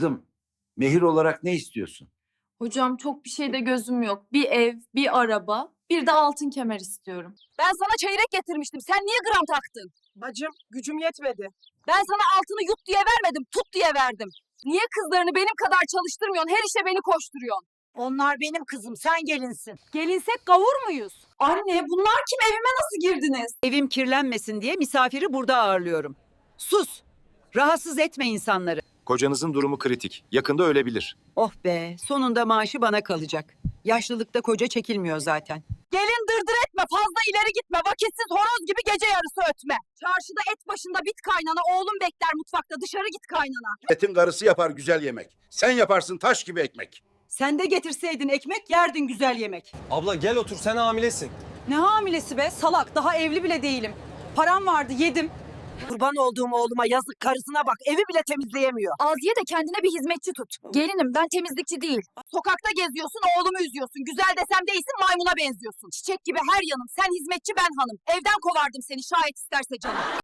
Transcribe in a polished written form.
Kızım, mehir olarak ne istiyorsun? Hocam çok bir şeyde gözüm yok. Bir ev, bir araba, bir de altın kemer istiyorum. Ben sana çeyrek getirmiştim. Sen niye gram taktın? Bacım gücüm yetmedi. Ben sana altını yut diye vermedim, tut diye verdim. Niye kızlarını benim kadar çalıştırmıyorsun? Her işe beni koşturuyorsun. Onlar benim kızım, sen gelinsin. Gelinsek gavur muyuz? Anne, bunlar kim? Evime nasıl girdiniz? Evim kirlenmesin diye misafiri burada ağırlıyorum. Sus! Rahatsız etme insanları. Kocanızın durumu kritik. Yakında ölebilir. Oh be, sonunda maaşı bana kalacak. Yaşlılıkta koca çekilmiyor zaten. Gelin dırdır etme, fazla ileri gitme. Vakitsiz horoz gibi gece yarısı ötme. Çarşıda et başında bit kaynana, oğlum bekler mutfakta. Dışarı git kaynana. Etin karısı yapar güzel yemek. Sen yaparsın taş gibi ekmek. Sen de getirseydin ekmek yerdin güzel yemek. Abla gel otur, sen hamilesin. Ne hamilesi be salak, daha evli bile değilim. Param vardı yedim. Kurban olduğum oğluma yazık, karısına bak, evi bile temizleyemiyor. Aziye de kendine bir hizmetçi tut. Gelinim, ben temizlikçi değil. Sokakta geziyorsun, oğlumu üzüyorsun. Güzel desem değilsin, maymuna benziyorsun. Çiçek gibi her yanım. Sen hizmetçi, ben hanım. Evden kovardım seni şayet isterse canım.